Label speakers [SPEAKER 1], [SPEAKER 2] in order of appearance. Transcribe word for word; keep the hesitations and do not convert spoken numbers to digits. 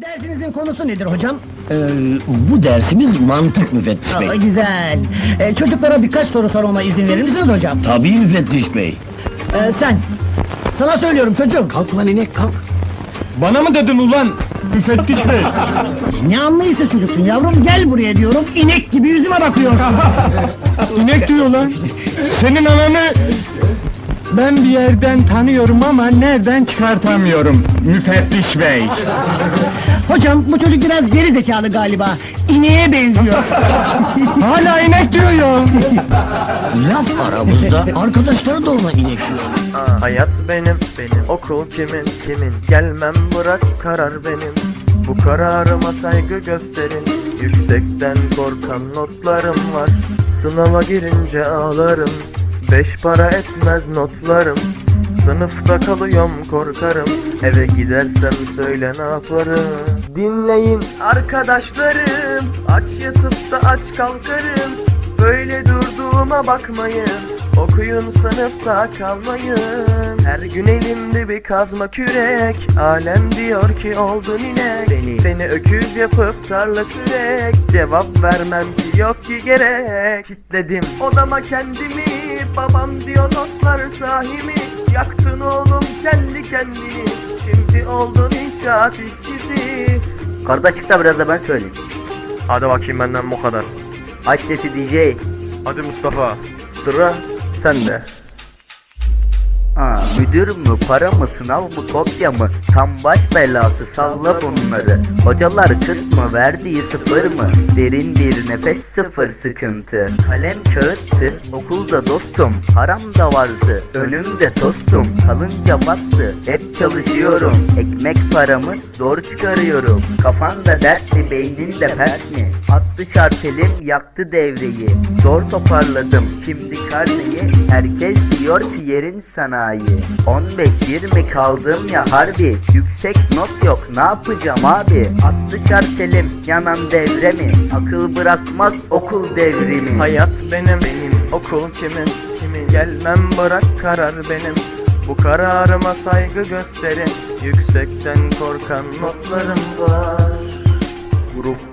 [SPEAKER 1] Dersinizin konusu nedir hocam?
[SPEAKER 2] Ee, bu dersimiz mantık müfettiş
[SPEAKER 1] Aa,
[SPEAKER 2] bey.
[SPEAKER 1] güzel. Ee, çocuklara birkaç soru sormama izin verir misiniz hocam?
[SPEAKER 2] Tabii müfettiş bey.
[SPEAKER 1] Ee, sen, sana söylüyorum çocuğum.
[SPEAKER 2] Kalk lan inek kalk.
[SPEAKER 3] Bana mı dedin ulan? Müfettiş bey.
[SPEAKER 1] Ne anlayışsız çocuksun yavrum, gel buraya diyorum, inek gibi yüzüme bakıyorsun.
[SPEAKER 3] İnek diyor lan. Senin ananı... Ben bir yerden tanıyorum ama nereden çıkartamıyorum müfettiş bey.
[SPEAKER 1] Hocam, bu çocuk biraz geri zekalı galiba, ineğe benziyor.
[SPEAKER 3] Hala inek diyor ya.
[SPEAKER 2] Laf aramızda arkadaşları da ona inek diyor.
[SPEAKER 4] Aa, hayat benim, benim. Okul kimin, kimin? Gelmem bırak, karar benim. Bu kararıma saygı gösterin. Yüksekten korkan notlarım var. Sınava girince ağlarım. Beş para etmez notlarım. Sınıfta kalıyorum, korkarım. Eve gidersem söyle ne yaparım. Dinleyin arkadaşlarım, aç yatıp da aç kalkarım. Böyle durduğuma bakmayın, okuyun sınıfta kalmayın. Her gün elimde bir kazma kürek. Alem diyor ki oldun inek. Seni, seni öküz yapıp tarla sürek. Cevap vermem ki yok ki gerek. Kitledim odama kendimi. Babam diyor notlar sahibi. Yaktın oğlum kendi kendini. Şimdi oldun inşaat işçisi.
[SPEAKER 5] Karda çık da biraz da ben söyleyeyim.
[SPEAKER 4] Hadi bakayım benden bu kadar.
[SPEAKER 5] Aç sesi D J.
[SPEAKER 4] Hadi Mustafa, sıra sende.
[SPEAKER 5] Aa, müdür mü, para mı, sınav mı, kopya mı? Tam baş belası, salla bunları. Hocalar kırk mı, verdiği sıfır mı? Derin bir nefes, sıfır sıkıntı. Kalem kağıttı, okulda dostum. Haram da vardı, önümde tostum. Kalınca battı, hep çalışıyorum. Ekmek paramı zor çıkarıyorum. Kafanda dertli, beyninde pert mi? Attı şartelim, yaktı devreyi. Zor toparladım, şimdi karneyi. Herkes diyor ki yerin sanayi. on beş yirmi kaldım ya harbi. Yüksek not yok, ne yapacağım abi? Attı şartelim, yanan devre mi? Akıl bırakmaz okul devrimi.
[SPEAKER 4] Hayat benim, benim. Okul kimin, kimin? Gelmem bırak, karar benim. Bu kararıma saygı gösterin. Yüksekten korkan notlarım var. Grup